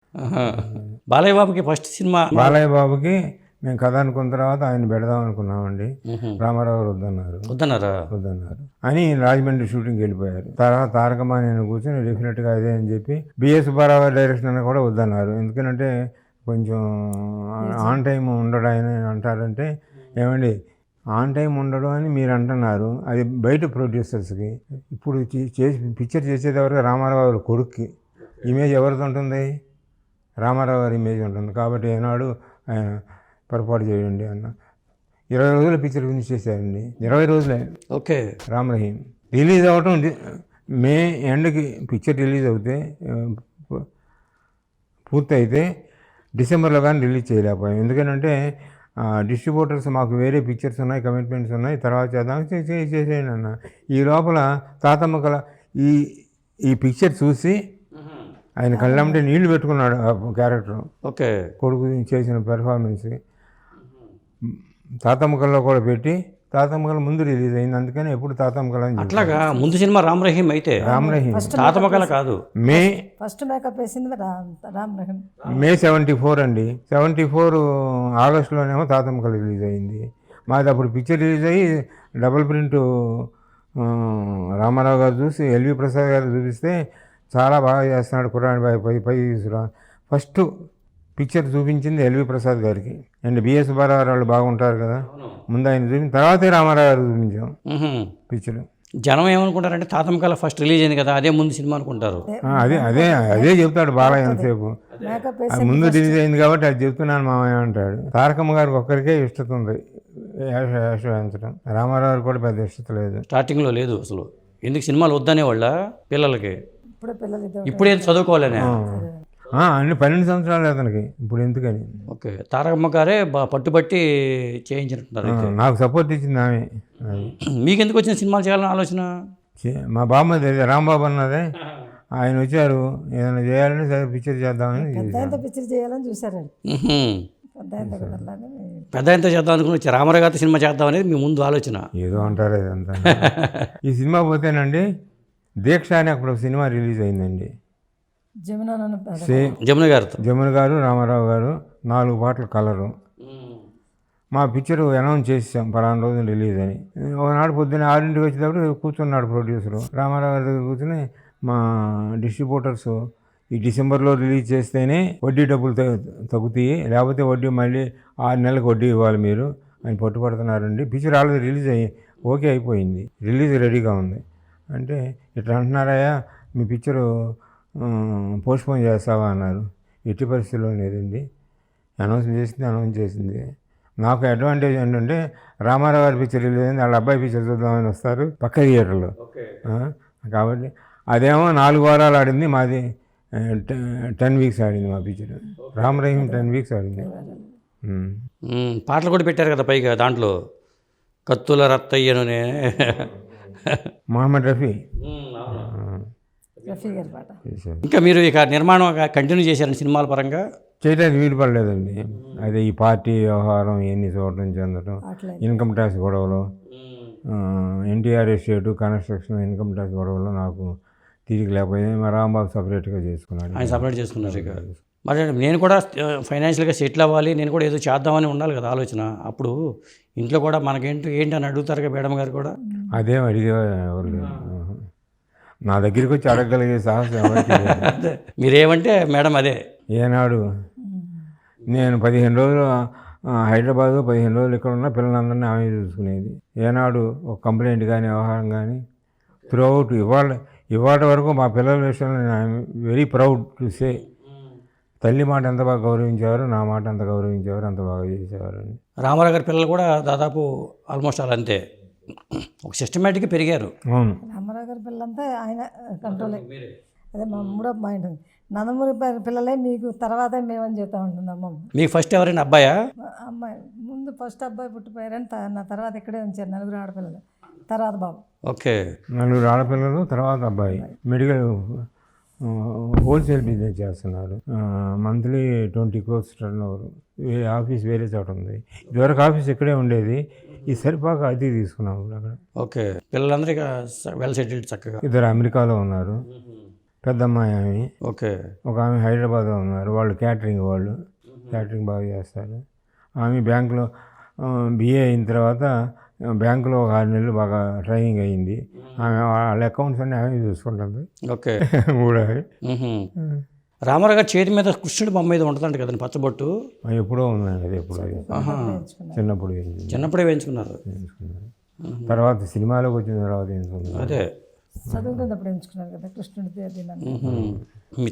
బాలయ్య బాబుకి first cinema Balayya బాబుకి మేము కథ అనుకున్న తర్వాత ఆయన పెడదాం అనుకున్నామండి. రామారావు గారు వద్దన్నారా? వద్దన్నారు అని రాజమండ్రి షూటింగ్కి వెళ్ళిపోయారు. తర్వాత తారకమ్మ నేను కూర్చొని డెఫినెట్గా అదే అని చెప్పి బిఎస్ సుబ్బారావు గారి డైరెక్షన్ అని కూడా వద్దన్నారు. ఎందుకంటే కొంచెం ఆన్ టైం ఉండడు ఆయన అంటారంటే, ఏమండి ఆన్ టైం ఉండడు అని మీరు అంటున్నారు, అది బయట ప్రొడ్యూసర్స్కి. ఇప్పుడు చేసి పిక్చర్ చేసేది ఎవరికి? రామారావు గారి కొడుక్కి. ఇమేజ్ ఎవరిది ఉంటుంది? రామారావు గారి ఇమేజ్ ఉంటుంది. కాబట్టి ఏనాడు ఆయన పొరపాటు చేయండి అన్న. 20 రోజుల పిక్చర్ ఫినిష్ చేశారండి. 20 రోజులే. ఓకే. రామ్ రహీం రిలీజ్ అవ్వటం మే ఎండ్కి పిక్చర్ రిలీజ్ అవుతే పూర్తయితే డిసెంబర్లో కానీ రిలీజ్ చేయలేకపోయాం. ఎందుకంటే డిస్ట్రిబ్యూటర్స్ మాకు వేరే పిక్చర్స్ ఉన్నాయి, కమిట్మెంట్స్ ఉన్నాయి, తర్వాత చేద్దాం చేసేయండి అన్న. ఈ లోపల తాతమ్మ కళ ఈ పిక్చర్ చూసి ఆయన కళ్ళంటే నీళ్లు పెట్టుకున్నాడు ఆ క్యారెక్టర్. ఓకే. కొడుకు చేసిన పెర్ఫార్మెన్స్ తాతమ్మకల్లో కూడా పెట్టి తాతమ్మకల ముందు రిలీజ్ అయింది. అందుకని ఎప్పుడు తాతమ్మకల అట్లాగా ముందు సినిమా రామ్ రహీం అయితే రామ్ రహీం తాతమ్మకల కాదు. మే ఫస్ట్ మేకప్ వేసింది రామ్ రహీం. మే 74 అండి. 74 ఆగస్టులోనేమో తాతమ్మకల రిలీజ్ అయింది. మాది అప్పుడు పిక్చర్ రిలీజ్ అయ్యి డబుల్ ప్రింట్ రామారావు గారు చూసి ఎల్వి ప్రసాద్ గారు చూపిస్తే చాలా బాగా చేస్తున్నాడు కుర్రాని పై ఫస్ట్ పిక్చర్ చూపించింది ఎల్వి ప్రసాద్ గారికి. అండ్ బిఎస్ సుబ్బారావు వాళ్ళు బాగుంటారు కదా, ముందు ఆయన చూపించిన తర్వాతే రామారావు గారు చూపించాం పిక్చర్. జనం ఏమనుకుంటారంటే తాతమ్మకల ఫస్ట్ రిలీజ్ అయింది కదా, అదే ముందు సినిమా అనుకుంటారు. అదే చెప్తాడు బాలయ్య ఎంతసేపు. అది ముందు రిలీజ్ అయింది కాబట్టి అది చెప్తున్నాను మామయ్య అంటాడు. తారకమ్మ గారికి ఒక్కరికే ఇష్టత ఉంది వేషించడం. రామారావు గారు కూడా పెద్ద ఇష్టత లేదు. స్టార్టింగ్లో లేదు అసలు. ఎందుకు సినిమాలు వద్దనే వాళ్ళ పిల్లలకి ఇప్పుడే చదువుకోవాలనే అన్ని 12 సంవత్సరాలు అతనికి ఇప్పుడు ఎందుకని. ఓకే. తారకమ్మ గారే పట్టుబట్టి చేయించినట్టున్నారు. నాకు సపోర్ట్ ఇచ్చింది ఆమె. మీకు ఎందుకు వచ్చిన సినిమాలు చేయాలని ఆలోచన? మా బామ్మది రాంబాబు అన్నదే, ఆయన వచ్చారు ఏదైనా చేయాలని సరే పిక్చర్ చేద్దామని పిక్చర్ చేయాలని చూసారండి. పెద్ద ఎంత చేద్దాం అనుకుని వచ్చి రామారావు గారి సినిమా చేద్దాం అనేది మీ ముందు ఆలోచన. ఏదో అంటారు ఇదంతా. ఈ సినిమా పోతేనండి దీక్ష అని అప్పుడు సినిమా రిలీజ్ అయిందండి. జమున గారు రామారావు గారు 4 పాటలు కలరు. మా పిక్చర్ అనౌన్స్ చేసాం పలానా రోజు రిలీజ్ అని. ఒకనాడు పొద్దున్న 6 వచ్చేటప్పుడు కూర్చున్నాడు ప్రొడ్యూసరు. రామారావు గారి దగ్గర కూర్చొని మా డిస్ట్రిబ్యూటర్స్ ఈ డిసెంబర్లో రిలీజ్ చేస్తేనే వడ్డీ డబ్బులు తగ్గుతాయి, లేకపోతే వడ్డీ మళ్ళీ 6 నెలలకు వడ్డీ ఇవ్వాలి మీరు అని పట్టుపడుతున్నారండి. పిక్చర్ ఆల్రెడీ రిలీజ్ ఓకే అయిపోయింది, రిలీజ్ రెడీగా ఉంది అంటే, ఇట్లా అంటున్నారయ్యా మీ పిక్చరు పోస్ట్పోన్ చేస్తావా అన్నారు. ఎట్టి పరిస్థితుల్లో లేదండి, అనౌన్స్ చేసింది. నాకు అడ్వాంటేజ్ ఏంటంటే రామారావు గారి పిక్చర్ రిలీజ్ అయింది, వాళ్ళ అబ్బాయి పిక్చర్ చూద్దామని వస్తారు పక్క థియేటర్లో. కాబట్టి అదేమో 4 వారాలు ఆడింది, మాది 10 వీక్స్ ఆడింది మా పిక్చర్. రామ్ రహీం 10 వీక్స్ ఆడింది. పాటలు కూడా పెట్టారు కదా పైగా దాంట్లో, కత్తుల రత్తయ్యనునే మొహమ్మద్ రఫీ. ఇంకా మీరు ఇక నిర్మాణం కంటిన్యూ చేశారని సినిమాల పరంగా చేయడానికి వీలు పడలేదండి. అదే ఈ పార్టీ వ్యవహారం ఇవన్నీ చూడటం చెందడం, ఇన్కమ్ ట్యాక్స్ గొడవలు, NTR estate construction income tax గొడవలు నాకు తిరిగి లేకపోయింది. మా రాంబాబు సపరేట్గా చేసుకున్నాడు. ఆయన సపరేట్ చేసుకున్నారు. ఇక మరి నేను కూడా ఫైనాన్షియల్గా సెటిల్ అవ్వాలి, నేను కూడా ఏదో చేద్దామని ఉండాలి కదా ఆలోచన. అప్పుడు ఇంట్లో కూడా మనకేంటి అని అడుగుతారు మేడం గారు కూడా. అదేం అడిగే ఎవరు లేదు, నా దగ్గరికి వచ్చి అడగగలిగే సాహసం మీరేమంటే మేడం అదే. ఏనాడు నేను 15 రోజులు హైదరాబాదు, 15 రోజులు ఇక్కడ ఉన్న పిల్లలందరినీ ఆమె చూసుకునేది. ఏనాడు ఒక కంప్లైంట్ కానీ వ్యవహారం కానీ త్రూ అవుట్ ఇవాళ వరకు మా పిల్లల విషయంలో నేను వెరీ ప్రౌడ్ టు సే, తల్లి మాట ఎంత బాగా గౌరవించేవారు, నా మాట ఎంత గౌరవించేవారు, అంత బాగా చేసేవారు. రామారావు గారి పిల్లలు కూడా దాదాపు ఆల్మోస్ట్ అలా అంతే, ఒక సిస్టమేటిక్గా పెరిగారు. అవును, రామారావు గారి పిల్లలంతా ఆయన కంట్రోల్. అదే మా 3వ పాయింట్, నందమూరి పిల్లలే మీకు తర్వాత మేమని చెప్తా ఉంటుంది అమ్మ. మీకు ఫస్ట్ ఎవరైనా అబ్బాయా? అమ్మాయి ముందు ఫస్ట్ అబ్బాయి పుట్టిపోయారని నా తర్వాత ఇక్కడే ఉంచారు 4 ఆడపిల్లలు, తర్వాత బాబు. ఓకే, 4 ఆడపిల్లలు తర్వాత అబ్బాయి. మెడికల్ హోల్సేల్ బిజినెస్ చేస్తున్నారు. Monthly 20 crores turnover. Office వేరే చోట ఉంది. ఇదివరకు ఆఫీస్ ఇక్కడే ఉండేది, ఈ సరిపాక అది తీసుకున్నాము అక్కడ. ఓకే, పిల్లలందరూ వెల్ సెటిల్డ్ చక్కగా. 2 అమెరికాలో ఉన్నారు, పెద్దమ్మాయి ఆమె, ఓకే. ఒక ఆమె హైదరాబాద్లో ఉన్నారు, వాళ్ళు క్యాటరింగ్ క్యాటరింగ్ బాగా చేస్తారు. ఆమె బ్యాంకులో బిఏ అయిన తర్వాత బ్యాంకులో ఒక 6 నెలలు బాగా ట్రైనింగ్ అయ్యింది. ఆమె వాళ్ళ అకౌంట్స్ అన్నీ ఆమె చూసుకుంటుంది. ఓకే. కూడా రామారావు గారి చేతి మీద కృష్ణుడి బొమ్మ మీద ఉంటుందంట కదండి పచ్చబొట్టు. ఎప్పుడో ఉందండి అది, ఎప్పుడో చిన్నప్పుడు చిన్నప్పుడే వేయించుకున్నారు. తర్వాత సినిమాలోకి వచ్చిన తర్వాత వేయించుకున్నారు. అదే చదువుకున్నప్పుడు ఎంచుకున్నారు కదా కృష్ణుడి పేరు.